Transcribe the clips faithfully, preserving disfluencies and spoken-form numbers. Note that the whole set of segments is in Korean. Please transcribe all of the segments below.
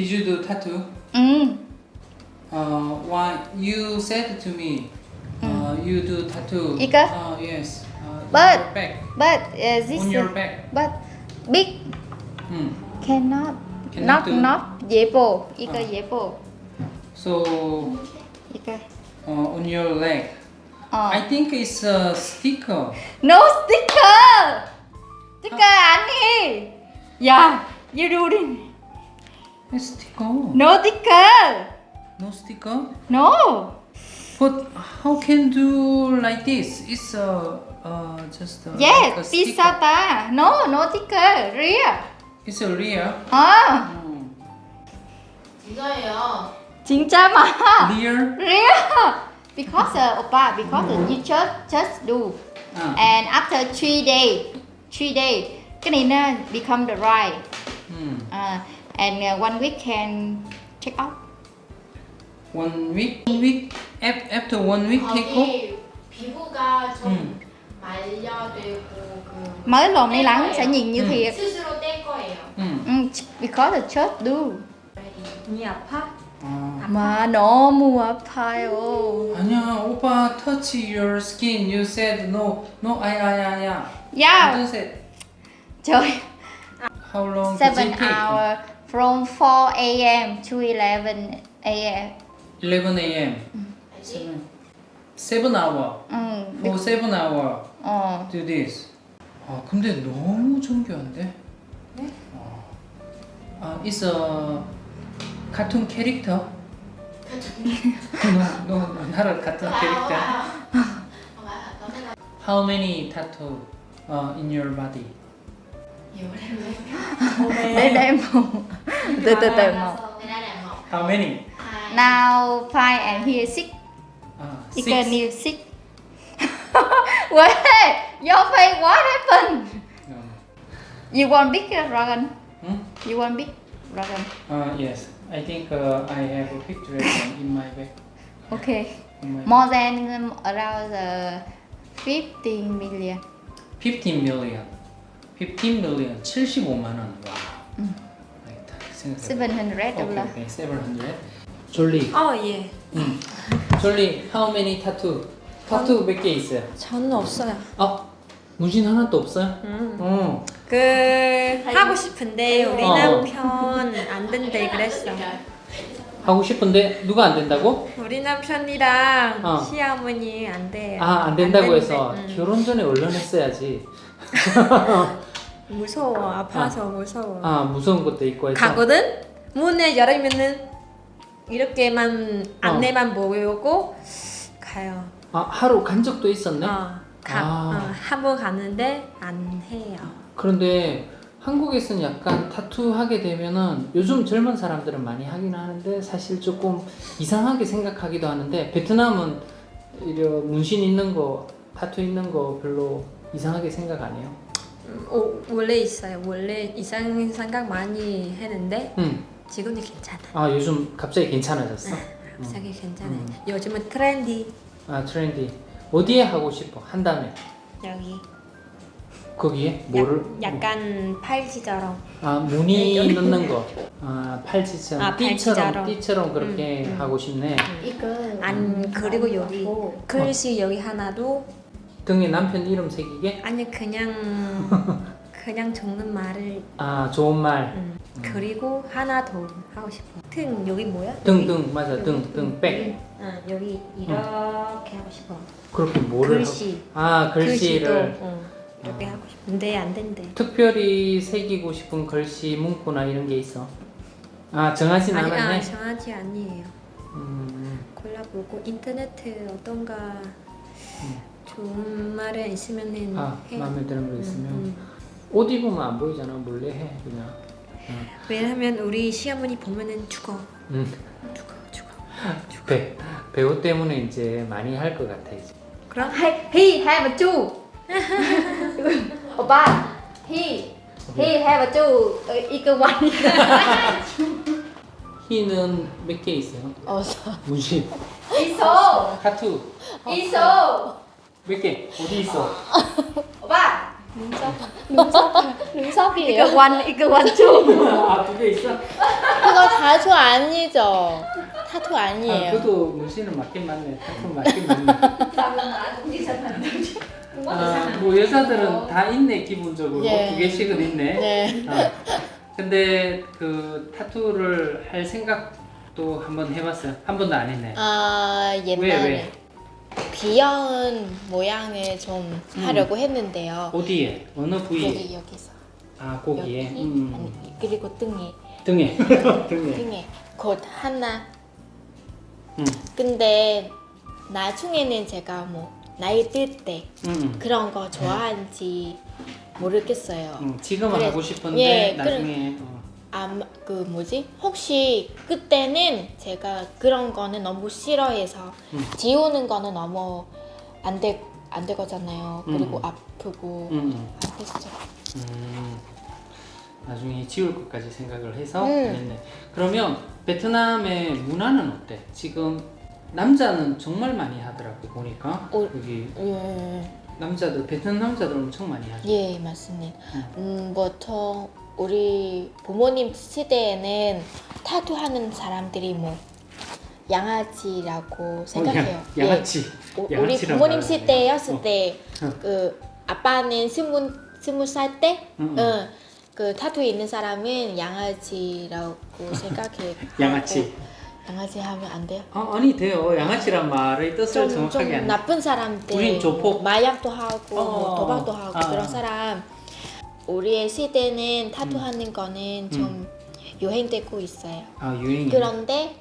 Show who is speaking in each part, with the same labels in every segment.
Speaker 1: Did you do tattoo?
Speaker 2: 음.
Speaker 1: Uh, why you said to me, uh, you do tattoo?
Speaker 2: 이거?
Speaker 1: Uh, yes. Uh,
Speaker 2: But-
Speaker 1: on your back.
Speaker 2: But uh, this
Speaker 1: On your back.
Speaker 2: but big
Speaker 1: Hmm.
Speaker 2: cannot
Speaker 1: Cannot
Speaker 2: not
Speaker 1: do.
Speaker 2: not 예뻐. 이거
Speaker 1: 어.
Speaker 2: 예뻐.
Speaker 1: So
Speaker 2: 이거.
Speaker 1: uh, on your leg.
Speaker 2: 어.
Speaker 1: I think it's a sticker.
Speaker 2: No sticker. sticker 아니. 야, you doing?
Speaker 1: It's sticker.
Speaker 2: No sticker.
Speaker 1: No sticker.
Speaker 2: No.
Speaker 1: But how can do like this? It's a uh, just a, like a
Speaker 2: Yes,
Speaker 1: sticker.
Speaker 2: pisata. No, no sticker. Real.
Speaker 1: It's a real.
Speaker 2: 아,
Speaker 1: Oh.
Speaker 3: 진짜예요.
Speaker 2: 진짜 마.
Speaker 1: Real.
Speaker 2: Real. Because uh, oppa, because uh, you just just do,
Speaker 1: Ah.
Speaker 2: and after three day, three day, cái này nó become the right,
Speaker 1: Hmm.
Speaker 2: uh, and uh, one week can check out.
Speaker 1: One week. One week. Af- After one week, take off.
Speaker 3: 거기 피부가 좀
Speaker 1: 음.
Speaker 3: 말려되고 그
Speaker 2: Mới lồn đi lắng sẽ nhìn như
Speaker 1: Ừ.
Speaker 2: thiệt.
Speaker 3: 스스로 뗄 거예요.
Speaker 1: Hmm.
Speaker 2: Ừ, because the church do.
Speaker 3: 눈이 아파?
Speaker 1: 아.
Speaker 2: 마 너무 아파요.
Speaker 1: 아니야, 오빠 touch your skin. You said no, no. 아야야야. You
Speaker 2: Yeah,
Speaker 1: don't say.
Speaker 2: trời,
Speaker 1: How long
Speaker 2: seven
Speaker 1: did it take?
Speaker 2: hour from four a.m. to eleven a.m.
Speaker 1: eleven a.m.
Speaker 3: 알지?
Speaker 1: seven hour.
Speaker 2: 응,
Speaker 1: For seven hour.
Speaker 2: 어,
Speaker 1: Do this. 아 근데 너무 정교한데?
Speaker 3: 네?
Speaker 1: 어. 아, it's a cartoon character. 너, 너 나랑 같은 캐릭터. How many tattoo uh, in your body?
Speaker 2: để để một, từ từ từ một.
Speaker 1: How many?
Speaker 2: Now five and here six.
Speaker 1: 아,
Speaker 2: You
Speaker 1: six.
Speaker 2: can new six. Wait, your face what happened?
Speaker 1: 어.
Speaker 2: You want big dragon?
Speaker 1: 응?
Speaker 2: You want big dragon?
Speaker 1: Uh, yes. I think uh, I have a picture in my back.
Speaker 2: Okay.
Speaker 1: In my
Speaker 2: More than um, around uh, fifteen million.
Speaker 1: fifteen million. fifteen million. 칠십오만 원. 와. 알겠다. 생각해.
Speaker 2: Seven hundred
Speaker 1: 오케이,
Speaker 2: dollar.
Speaker 1: 오케이. seven hundred. 졸리.
Speaker 4: 어, 예.
Speaker 1: 응. 졸리, how many tattoo? 타투 몇 개 있어요?
Speaker 4: 저는 없어요.
Speaker 1: 아, 문신 하나도 없어요?
Speaker 4: 음.
Speaker 1: 어.
Speaker 4: 그 하고 싶은데 우리
Speaker 1: 어.
Speaker 4: 남편 안 된대 그랬어.
Speaker 1: 하고 싶은데 누가 안 된다고?
Speaker 4: 우리 남편이랑
Speaker 1: 어.
Speaker 4: 시어머니 안 돼요.
Speaker 1: 아, 안 된다고
Speaker 4: 된대.
Speaker 1: 해서
Speaker 4: 응.
Speaker 1: 결혼 전에 얼른했어야지.
Speaker 4: 무서워. 아파서 무서워.
Speaker 1: 아, 무서운 것도 있고 해서.
Speaker 4: 가거든. 문을 열으면은 이렇게만 안내만 보고 가요.
Speaker 1: 아, 하루 간 적도 있었네.
Speaker 4: 어, 가,
Speaker 1: 아.
Speaker 4: 어, 한번 가는데 안 해요.
Speaker 1: 그런데 한국에서는 약간 타투 하게 되면은 요즘 젊은 사람들은 많이 하긴 하는데 사실 조금 이상하게 생각하기도 하는데 베트남은 이런 문신 있는 거, 타투 있는 거 별로 이상하게 생각 안 해요.
Speaker 4: 음, 오, 원래 있어요. 원래 이상 생각 많이 했는데
Speaker 1: 응.
Speaker 4: 지금은 괜찮아.
Speaker 1: 아, 요즘 갑자기 괜찮아졌어?
Speaker 4: 갑자기 괜찮아.
Speaker 1: 음.
Speaker 4: 요즘은 트렌디.
Speaker 1: 아, 트렌디. 어디에 하고 싶어? 한다음에
Speaker 4: 여기
Speaker 1: 거기에 뭐를?
Speaker 4: 약, 약간 팔찌처럼.
Speaker 1: 아, 무늬 넣는 거. 아, 팔찌처럼.
Speaker 4: 아,
Speaker 1: 띠처럼
Speaker 4: 팔찌처럼.
Speaker 1: 띠처럼 그렇게
Speaker 4: 음, 음.
Speaker 1: 하고 싶네.
Speaker 2: 이거
Speaker 4: 안 그리고 여기 글씨 여기 하나도
Speaker 1: 등에 남편 이름 새기게?
Speaker 4: 아니 그냥 그냥 적는 말을
Speaker 1: 아, 좋은 말.
Speaker 4: 음. 그리고 하나 더 하고 싶어. 등 여기 뭐야?
Speaker 1: 등, 등, 맞아. 등, 등, 백.
Speaker 4: 응, 여기 이렇게 하고 싶어.
Speaker 1: 그렇게 뭐를
Speaker 4: 글씨.
Speaker 1: 하고? 아, 글씨를
Speaker 4: 글씨도 응, 이렇게 하고 싶은데 안 된대.
Speaker 1: 특별히 새기고 싶은 글씨, 문구나 이런 게 있어. 아, 정하진
Speaker 4: 아니,
Speaker 1: 않았네.
Speaker 4: 아, 정하지 아니에요.
Speaker 1: 음,
Speaker 4: 골라보고 인터넷에 어떤가 좋은 말이 있으면은
Speaker 1: 아,
Speaker 4: 해.
Speaker 1: 마음에 드는 거
Speaker 4: 응,
Speaker 1: 있으면
Speaker 4: 응.
Speaker 1: 옷 입으면 안 보이잖아. 몰래 해 그냥. 어.
Speaker 4: 왜냐면 우리 시어머니 보면은 죽어,
Speaker 1: 음.
Speaker 4: 죽어, 죽어.
Speaker 1: 배 배우 때문에 이제 많이 할 것 같아 이제.
Speaker 4: 그럼
Speaker 2: Hey, he have a two. 오빠, he he have a two. 어, 이거 one.
Speaker 1: 희는 몇 개 있어요?
Speaker 2: 어서.
Speaker 1: 문신.
Speaker 2: 있어,
Speaker 1: 타투
Speaker 2: 있어.
Speaker 1: 몇 개? 어디 있어?
Speaker 2: 오빠, 눈썹, 눈썹, 눈썹이에요.
Speaker 4: 이거 완 이거 완전
Speaker 1: 아두 개 있어?
Speaker 2: 그거 타투 아니죠? 타투
Speaker 1: 아
Speaker 2: 아니에요.
Speaker 1: 그래도 문신은 맞긴 맞네. 타투 맞긴 맞네. 아뭐 여자들은 다 있네 기본적으로
Speaker 2: 예.
Speaker 1: 두 개씩은 있네.
Speaker 2: 네.
Speaker 1: 어. 근데 그 타투를 할 생각도 한번 해봤어요. 한 번도 안 했네.
Speaker 2: 아 옛날에
Speaker 1: 왜, 왜?
Speaker 2: 귀여운 모양을 좀
Speaker 1: 음.
Speaker 2: 하려고 했는데요.
Speaker 1: 어디에? 어느 부위에?
Speaker 2: 여기 여기서
Speaker 1: 아 고기에.
Speaker 2: 여기
Speaker 1: 음.
Speaker 2: 아니 그리고 등에
Speaker 1: 등에. 등에.
Speaker 2: 등에 곧 하나.
Speaker 1: 음.
Speaker 2: 근데 나중에는 제가 뭐 나이 들 때
Speaker 1: 음.
Speaker 2: 그런 거 좋아하는지 모르겠어요.
Speaker 1: 음. 지금은
Speaker 2: 그래.
Speaker 1: 하고 싶은데
Speaker 2: 예,
Speaker 1: 나중에. 어.
Speaker 2: 아마 그 뭐지? 혹시 그때는 제가 그런 거는 너무 싫어해서
Speaker 1: 음.
Speaker 2: 지우는 거는 너무 안돼 안 되거든요. 그리고
Speaker 1: 음.
Speaker 2: 아프고
Speaker 1: 음.
Speaker 2: 안 됐죠.
Speaker 1: 음. 나중에 지울 것까지 생각을 해서
Speaker 2: 음.
Speaker 1: 했네. 그러면 베트남의 문화는 어때? 지금 남자는 정말 많이 하더라고 보니까
Speaker 2: 어.
Speaker 1: 여기
Speaker 2: 음,
Speaker 1: 남자들 베트남 남자들 엄청 많이 하죠.
Speaker 2: 예 맞습니다.
Speaker 1: 음.
Speaker 2: 음, 보통 우리 부모님 시대에는 타투하는 사람들이 뭐 양아치라고 생각해요.
Speaker 1: 어, 양, 양아치.
Speaker 2: 예. 우- 우리
Speaker 1: 양아치란
Speaker 2: 부모님
Speaker 1: 말을
Speaker 2: 시대였을
Speaker 1: 어.
Speaker 2: 때 그 아빠는 스무 스무 살 때,
Speaker 1: 음, 음.
Speaker 2: 응, 그 타투 있는 사람은 양아치라고 생각해.
Speaker 1: 양아치.
Speaker 2: 양아치 하면 안 돼요?
Speaker 1: 아, 아니 돼요. 양아치란 말의 뜻을
Speaker 2: 좀,
Speaker 1: 정확하게
Speaker 2: 좀
Speaker 1: 안.
Speaker 2: 나쁜 사람들,
Speaker 1: 우린 조폭.
Speaker 2: 마약도 하고
Speaker 1: 어,
Speaker 2: 뭐 도박도 하고
Speaker 1: 아.
Speaker 2: 그런 사람. 우리의 시대는 타투
Speaker 1: 음.
Speaker 2: 하는 거는 좀 유행되고 있어요.
Speaker 1: 아 유행이.
Speaker 2: 그런데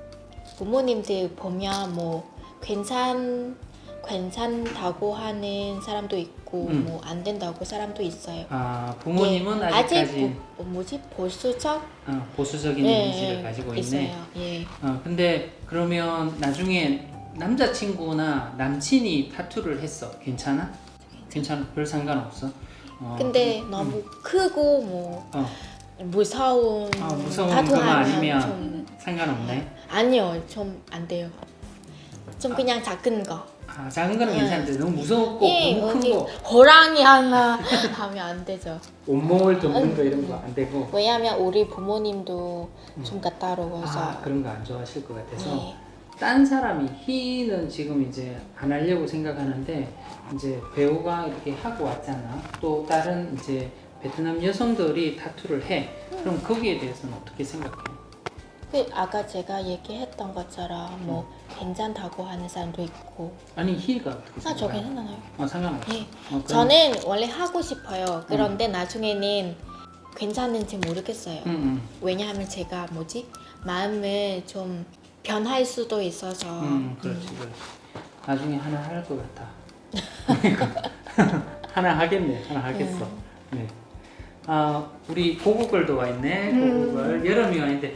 Speaker 2: 부모님들 보면 뭐 괜찮 괜찮다고 하는 사람도 있고
Speaker 1: 음.
Speaker 2: 뭐 안 된다고 사람도 있어요.
Speaker 1: 아 부모님은
Speaker 2: 예,
Speaker 1: 아직까지
Speaker 2: 아직 뭐, 뭐지 보수적
Speaker 1: 어, 보수적인
Speaker 2: 예,
Speaker 1: 이미지를
Speaker 2: 예,
Speaker 1: 가지고
Speaker 2: 있어요.
Speaker 1: 있네.
Speaker 2: 예.
Speaker 1: 어, 근데 그러면 나중에 남자친구나 남친이 타투를 했어. 괜찮아? 괜찮아? 별 상관없어? 어,
Speaker 2: 근데
Speaker 1: 음,
Speaker 2: 너무 크고 뭐
Speaker 1: 어,
Speaker 2: 무서운
Speaker 1: 아, 무서운
Speaker 2: 타투
Speaker 1: 것만
Speaker 2: 하면
Speaker 1: 아니면
Speaker 2: 좀
Speaker 1: 상관없네.
Speaker 2: 아니요 좀 안 돼요. 좀 그냥 작은 거.
Speaker 1: 아, 작은 거는
Speaker 2: 예.
Speaker 1: 괜찮은데 너무 무섭고
Speaker 2: 예,
Speaker 1: 너무 큰
Speaker 2: 여기
Speaker 1: 거,
Speaker 2: 호랑이 하나 하면 안 되죠.
Speaker 1: 온몸을 덮는 거 이런 거 안 되고.
Speaker 2: 왜냐면 우리 부모님도 좀 까다로워서.
Speaker 1: 아, 그런 거 안 좋아하실 것 같아서.
Speaker 2: 네.
Speaker 1: 딴 사람이 희는 지금 이제 안 하려고 생각하는데 이제 배우가 이렇게 하고 왔잖아. 또 다른 이제 베트남 여성들이 타투를 해. 그럼 거기에 대해서는 어떻게 생각해?
Speaker 2: 그 아까 제가 얘기했던 것처럼 뭐 괜찮다고 하는 사람도 있고.
Speaker 1: 아니 희가 어떻게
Speaker 2: 아,
Speaker 1: 생각해?
Speaker 2: 저 괜찮아요.
Speaker 1: 어, 상관없어.
Speaker 2: 네.
Speaker 1: 어, 그럼-
Speaker 2: 저는 원래 하고 싶어요. 그런데 나중에는 괜찮은지 모르겠어요.
Speaker 1: 응, 응.
Speaker 2: 왜냐하면 제가 뭐지 마음을 좀 변할 수도 있어서.
Speaker 1: 음, 그렇지, 그렇지. 나중에 하나 할 것 같아. 하나 하겠네, 하나 하겠어. 네. 아, 우리 고구걸도 와 있네. 고구걸. 여름이 와 있는데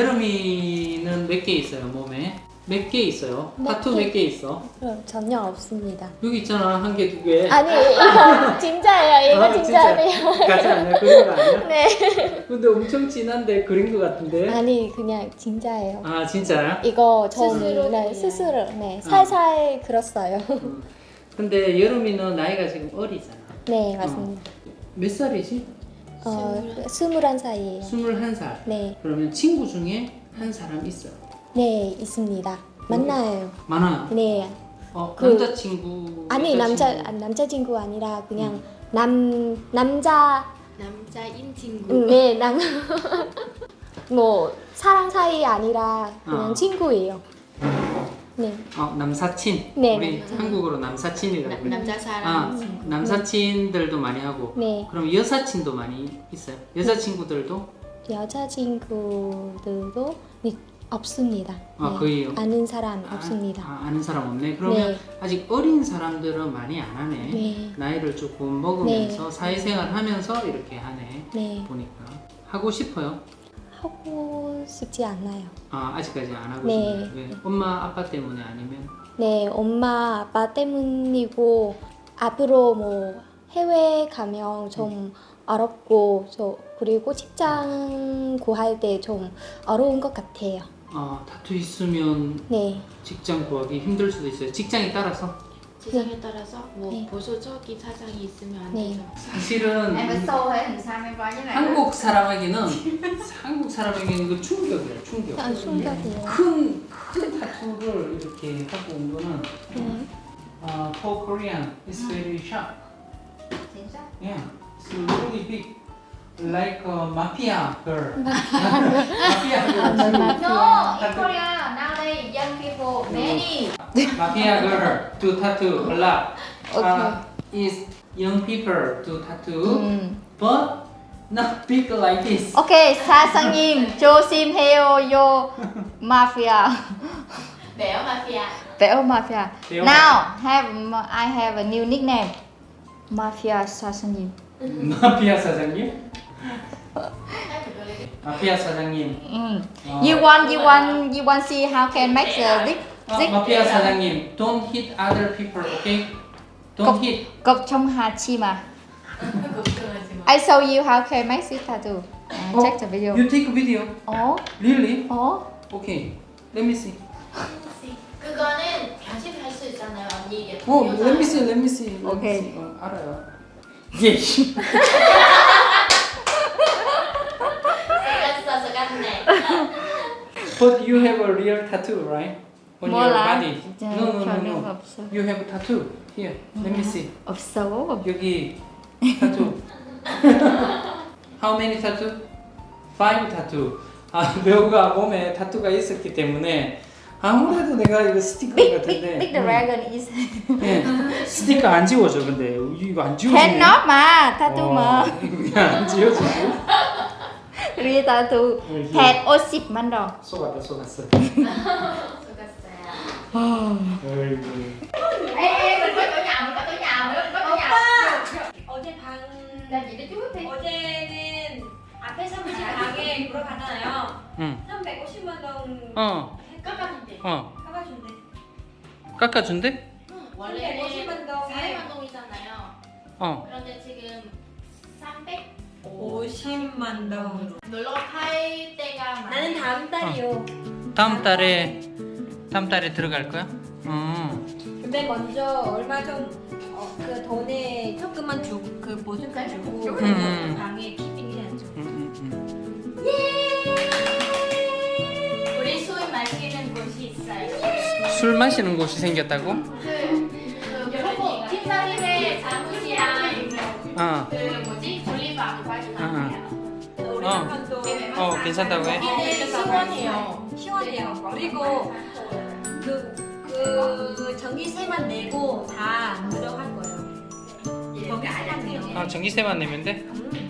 Speaker 1: 여름이는 몇 개 있어요 몸에? 몇 개 있어요? 타투 몇 개 있어?
Speaker 4: 어, 전혀 없습니다.
Speaker 1: 여기 있잖아 한 개, 두 개.
Speaker 2: 아니 이거 진짜예요. 이거
Speaker 1: 아,
Speaker 2: 진짜예요.
Speaker 1: 가지 않냐? 그린 거 아니야?
Speaker 2: 네.
Speaker 1: 근데 엄청 진한데 그린 거 같은데?
Speaker 4: 아니 그냥 진짜예요.
Speaker 1: 아 진짜야?
Speaker 4: 이거 전
Speaker 2: 스스로
Speaker 4: 네,
Speaker 2: 그냥.
Speaker 4: 스스로 네 살살 그렸어요.
Speaker 1: 음. 근데 여름이는 나이가 지금 어리잖아.
Speaker 4: 네 맞습니다.
Speaker 1: 몇 살이지?
Speaker 4: 어 스물한 살이에요.
Speaker 1: 스물한 살.
Speaker 4: 네,
Speaker 1: 그러면 친구 중에 한 사람 있어.
Speaker 4: 네 있습니다. 만나요.
Speaker 1: 많아.
Speaker 4: 네,
Speaker 1: 어,
Speaker 4: 그-
Speaker 1: 남자친구.
Speaker 4: 아니 남자
Speaker 1: 여자친구.
Speaker 4: 아, 남자친구 아니라 그냥 남 남자
Speaker 2: 남자인 친구.
Speaker 4: 음, 네 남. 뭐 사랑 사이 아니라 그냥
Speaker 1: 어.
Speaker 4: 친구예요. 네,
Speaker 1: 어, 남사친.
Speaker 4: 네,
Speaker 1: 우리
Speaker 4: 남사친.
Speaker 1: 한국어로 남사친이라고
Speaker 2: 나,
Speaker 1: 그래.
Speaker 2: 남자 사람
Speaker 1: 아,
Speaker 2: 친구.
Speaker 1: 남사친들도 많이 하고.
Speaker 4: 네
Speaker 1: 그럼 여사친도 많이 있어요. 여자친구들도
Speaker 4: 여자친구들도 네, 없습니다.
Speaker 1: 아,
Speaker 4: 네,
Speaker 1: 거의
Speaker 4: 아는 사람
Speaker 1: 아,
Speaker 4: 없습니다.
Speaker 1: 아, 아는 사람 없네. 그러면
Speaker 4: 네.
Speaker 1: 아직 어린 사람들은 많이 안 하네.
Speaker 4: 네.
Speaker 1: 나이를 조금 먹으면서 사회생활 하면서 이렇게 하네.
Speaker 4: 네
Speaker 1: 보니까 하고 싶어요.
Speaker 4: 하고 싶지 않아요.
Speaker 1: 아, 아직까지 안 하고
Speaker 4: 네.
Speaker 1: 싶어요. 왜? 엄마 아빠 때문에 아니면
Speaker 4: 네, 엄마 아빠 때문이고 앞으로 뭐 해외 가면 좀 어렵고 저 그리고 직장 구할 때 좀 어려운 것 같아요.
Speaker 1: 아, 타투 있으면
Speaker 4: 네,
Speaker 1: 직장 구하기 힘들 수도 있어요. 직장에 따라서.
Speaker 2: 지상에 따라서 뭐
Speaker 4: 네.
Speaker 2: 보수적인 사상이 있으면 안
Speaker 4: 네.
Speaker 2: 되죠.
Speaker 1: 사실은
Speaker 3: Em phải xô thế làm sao em coi như này.
Speaker 1: 한국 사람에게는 한국 사람에게는 그 충격이야 충격.
Speaker 4: 아, 충격이에요.
Speaker 1: 큰, 큰 타투를 이렇게 하고 온 거는
Speaker 4: 네.
Speaker 1: uh, for Korean it's very sharp.
Speaker 3: Chính xác.
Speaker 1: Yeah, it's really big, like a mafia girl. mafia girl.
Speaker 3: No, in Korea nowadays young people many.
Speaker 1: mafia girl do tattoo a lot.
Speaker 4: Okay.
Speaker 1: Uh, is young people do tattoo,
Speaker 4: 음.
Speaker 1: but not big like this.
Speaker 4: 오케이, 사장님 조심해요, 요 마피아.
Speaker 3: Béo mafia.
Speaker 4: 배우 마피아.
Speaker 1: 배우
Speaker 4: Now have I have a new nickname. 마피아 사장님.
Speaker 1: 마피아 사장님? 마피아 사장님.
Speaker 4: 음.
Speaker 1: 어,
Speaker 4: You want you want you want see how can make the zig
Speaker 1: 어,
Speaker 4: zig
Speaker 1: 마피아 사장님, don't hit other people, okay? Don't hit.
Speaker 4: cục trong hà chi mà. I show you how can make this tattoo. Uh, check the video.
Speaker 1: You take a video.
Speaker 4: 어?
Speaker 1: Really?
Speaker 4: 어?
Speaker 1: Okay. Let me see.
Speaker 3: 그거는 변신할 수 있잖아요, 언니 이게.
Speaker 1: 어, let me see. Let me see. Let me
Speaker 4: Okay.
Speaker 1: see. 어, 알아요. 예.
Speaker 3: 속았어, 속았네.
Speaker 1: But you have a real tattoo, right? On your
Speaker 4: 몰라.
Speaker 1: body.
Speaker 4: 진짜
Speaker 1: No, no, no,
Speaker 4: 별로
Speaker 1: no.
Speaker 4: 없어.
Speaker 1: You have a tattoo. Here. Let me see.
Speaker 4: 없어.
Speaker 1: 여기 tattoo. How many tattoo? Five tattoo. 아, 배우가 몸에 타투가 있었기 때문에 아무래도 내가 이거 스티커
Speaker 4: Big
Speaker 1: 같은데.
Speaker 4: big big dragon is.
Speaker 1: 예. 스티커 안 지워져 근데 이거 안 지워지네.
Speaker 4: Cannot mà tattoo mà.
Speaker 1: 이거 안 지워지고.
Speaker 4: Real tattoo. Head o십 만 원.
Speaker 1: 속았다 속았어.
Speaker 3: 속았어요.
Speaker 1: 아이고.
Speaker 3: Ê, ê, mình có chỗ nhà, mình có chỗ nhà, mình có chỗ nhà.
Speaker 5: 어제 방
Speaker 3: Làm gì đó chú thì.
Speaker 5: 어제는 앞에 사무실 방에 보러 갔잖아요.
Speaker 1: 응.
Speaker 5: 삼백오십만 원
Speaker 1: 어.
Speaker 3: 깎아준대.
Speaker 1: 어.
Speaker 5: 깎아준대.
Speaker 1: 깎아준대?
Speaker 3: 원래는
Speaker 5: 삼백오십만 동에
Speaker 3: 사회만 동이잖아요.
Speaker 1: 어.
Speaker 3: 그런데 지금 삼백
Speaker 5: 오십만 동.
Speaker 3: 놀러 갈 때가 많아요.
Speaker 5: 나는 다음 달이요.
Speaker 1: 다음 달에 다음 달에 들어갈 거야? 어.
Speaker 5: 근데 먼저 얼마 전그 돈에 조금만 주고 그 보증금 주고
Speaker 1: 음.
Speaker 5: 방에 키빙 해야죠.
Speaker 1: 음, 음,
Speaker 3: 우리 술 마시는 곳이 있어요.
Speaker 1: 음. 술 마시는 곳이 생겼다고?
Speaker 3: 그, 그 여러분 팀장님의 사무실이랑
Speaker 1: 어.
Speaker 3: 그 뭐지 졸리방 가져가요.
Speaker 5: 우리
Speaker 1: 어.
Speaker 5: 한번도
Speaker 1: 어, 괜찮다고 해?
Speaker 3: 이게 시원해요.
Speaker 5: 시원해요. 그리고 그, 그 전기세만 내고 다 무료할 거예요. 거기 시간이요.
Speaker 1: 아, 전기세만 내면 돼?
Speaker 5: 음.